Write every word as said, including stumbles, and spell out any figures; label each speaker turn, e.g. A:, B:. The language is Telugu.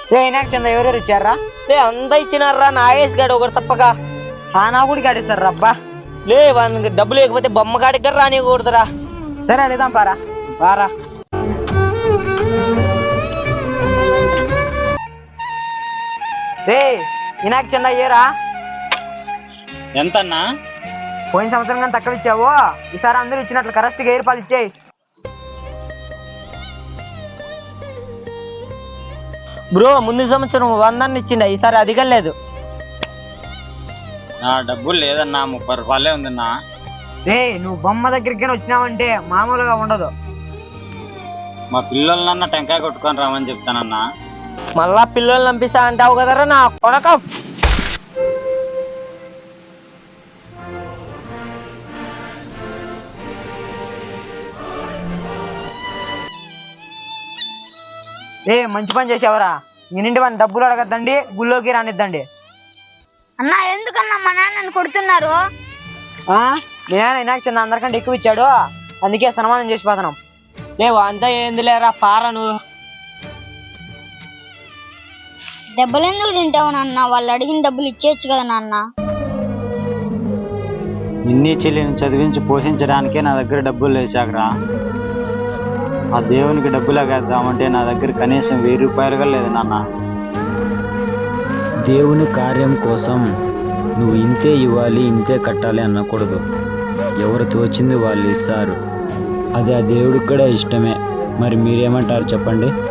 A: రే వినాయక చంద ఎవరెవరు ఇచ్చారా?
B: లే అంతా ఇచ్చినారా నాగేష్ గాడు ఒకరు తప్పక.
A: ఆ నా కూడా కాడేశారు రబ్బా.
B: లే వానికి డబ్బు లేకపోతే బొమ్మ కాడికి గారు రానికూడదురా.
A: సరే అడుగుదాం పారా.
B: బారా
A: రే వినాయక చంద అయ్యారా?
C: ఎంతన్నా?
A: పోయిన సంవత్సరం కానీ తక్కువ ఇచ్చావు, ఈసారి అందరూ ఇచ్చినట్లు కరెక్ట్ గా ఏర్పాటు ఇచ్చేయి.
B: బ్రో ముందు సంవత్సరం వందాన్ని ఇచ్చిండ, ఈసారి అధికం లేదు.
C: నా డబ్బులు లేదన్నా, ముప్పై రూపాయలే ఉందన్నా.
A: రే నువ్వు బొమ్మ దగ్గరికి వచ్చినావంటే మామూలుగా ఉండదు.
C: మా పిల్లలన్నా టెంకాయ కొట్టుకొని రామని చెప్తానన్నా.
B: మళ్ళా పిల్లల్ని పంపిస్తా అంటావు కదరా నా కొడక.
A: రే మంచి పని చేసావరా. ఈనింటి మన డబ్బులు అడగద్దండి, గుళ్ళోకి రానిద్దండి.
D: అన్నా ఎందుకన్నా మా నాన్నని కొడుతున్నారు?
A: నేను వినాయక చంద అందరికంటే ఎక్కువ ఇచ్చాడు, అందుకే సన్మానం చేసి పోతున్నాం.
B: లేవు అంతా ఏంది లేరా పారా నువ్వు.
D: దెబ్బలు ఎందుకు తింటావు నాన్న? వాళ్ళు అడిగిన డబ్బులు ఇచ్చేయచ్చు కదా నాన్న.
C: నిన్నీ చెల్లిని చదివించి పోషించడానికే నా దగ్గర డబ్బులు లేచాకరా. ఆ దేవునికి డబ్బులు వేద్దామంటే నా దగ్గర కనీసం వెయ్యి రూపాయలుగా లేదు నాన్న.
E: దేవుని కార్యం కోసం నువ్వు ఇంతే ఇవ్వాలి ఇంతే కట్టాలి అనకూడదు. ఎవరు తోచింది వాళ్ళు ఇస్తారు, అది ఆ దేవుడికి కూడా ఇష్టమే. మరి మీరేమంటారు చెప్పండి?